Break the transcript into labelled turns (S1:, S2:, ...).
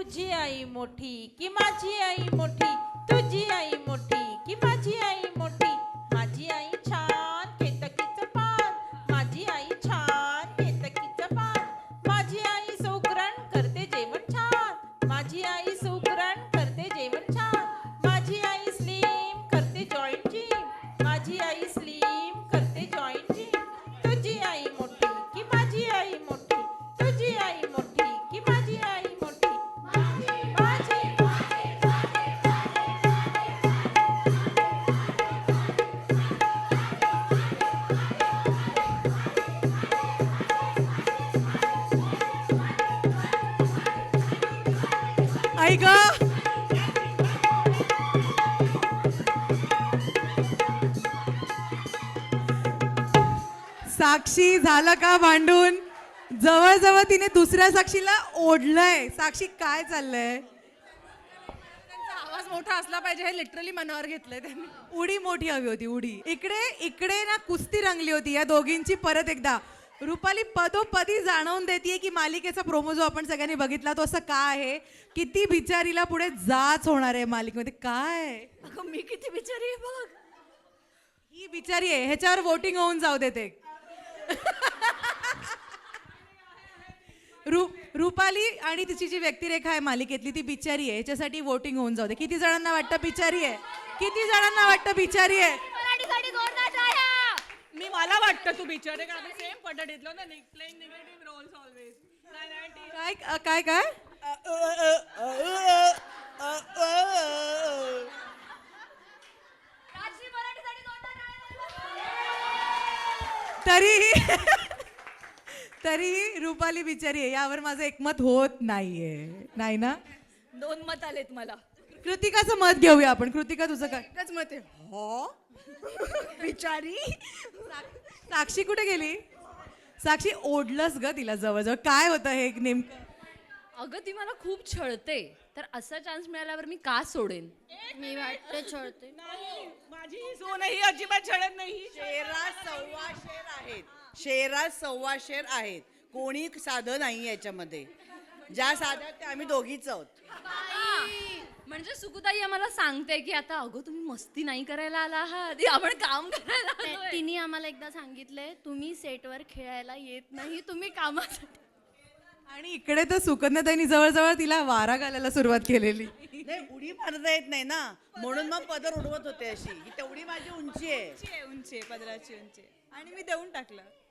S1: तुझी आई मोठी की माझी आई मोठी, तुझी आई मोठी की माझी आई मोठी. माझी आई छान केतकीचं पान, माझी आई छान केतकीचं पान. माझी आई सुगरण करते जेवण छान, माझी आई सुगरण करते जेवण छान. माझी आई स्लिम करते जॉईंट जिम, माझी आई स्लिम करते जॉईंट जिम. तुझी आई मोठी की माझी आई मोठी, तुझी आई मोठी की माझी आई मोठी.
S2: आई ग साक्षी झालं का भांडून? जवळजवळ तिने दुसऱ्या साक्षीला ओढलंय. साक्षी काय चाललंय?
S3: त्यांचा आवाज मोठा असला पाहिजे हे लिटरली मनावर घेतलंय त्यांनी.
S2: उडी मोठी हवी होती उडी. इकडे इकडे ना कुस्ती रंगली होती या दोघींची. परत एकदा रुपाली पदोपदी जाणवून देते की मालिकेचा प्रोमो जो आपण सगळ्यांनी बघितला तो असं का आहे, किती बिचारीला पुढे जाच होणार आहे मालिकेमध्ये. काय
S3: अगं मी किती बिचारी आहे बघ.
S2: ही बिचारी आहे, ह्याच्यावर वोटिंग होऊन जाऊ देते. रुपाली आणि तिची जी व्यक्तिरेखा आहे मालिकेतली ती बिचारी आहे, ह्याच्यासाठी वोटिंग होऊन जाऊ दे. किती जणांना वाटतं बिचारी आहे? किती जणांना वाटतं बिचारी आहे?
S3: मी मला वाटतं तू बिचारे का सेम पद्धतीतलो ना प्लेइंग निगेटिव्ह रोल्स ऑलवेज.
S2: काय काय काय तरीही तरीही रुपाली बिचारी आहे यावर माझं एकमत होत नाहीये. नाही ना?
S3: 2 मत आलेत मला.
S2: कृतिकाचं मत घेऊया आपण. कृतिका तुझं काय?
S3: एकच मत आहे. हो बिचारी.
S2: साक्षी कुठे गेली? साक्षी ओढलंस ग तिला जवळजवळ. काय होतं हे नेमकं?
S4: अगं ती मला खूप छळते, तर असा चान्स मिळाल्यावर मी का सोडेन?
S5: मी वाटते छळते.
S3: माझी सून ही अजिबात छळत नाही.
S6: शेरा सव्वा शेर आहेत, शेरा सव्वा शेर आहेत. कोणी साधं नाही याच्यामध्ये. ज्या साध्या त्या आम्ही दोघीच आहोत.
S4: म्हणजे सुकुताई आम्हाला सांगते की आता अगं तुम्ही मस्ती नाही करायला आला आहात, आपण काम करायला आलोय.
S5: तिने आम्हाला एकदा सांगितलंय तुम्ही सेटवर खेळायला येत नाही, तुम्ही कामासाठी.
S2: आणि इकडे तर सुकन्याताईंनी जवळजवळ तिला वारा घालायला सुरुवात केलेली.
S6: नाही, उडी मारता येत नाही ना, म्हणून मग पदर उडवत होते अशी. ही तेवढी माझी उंची आहे.
S3: उंची आहे पदराची उंची आणि मी देऊन टाकलं.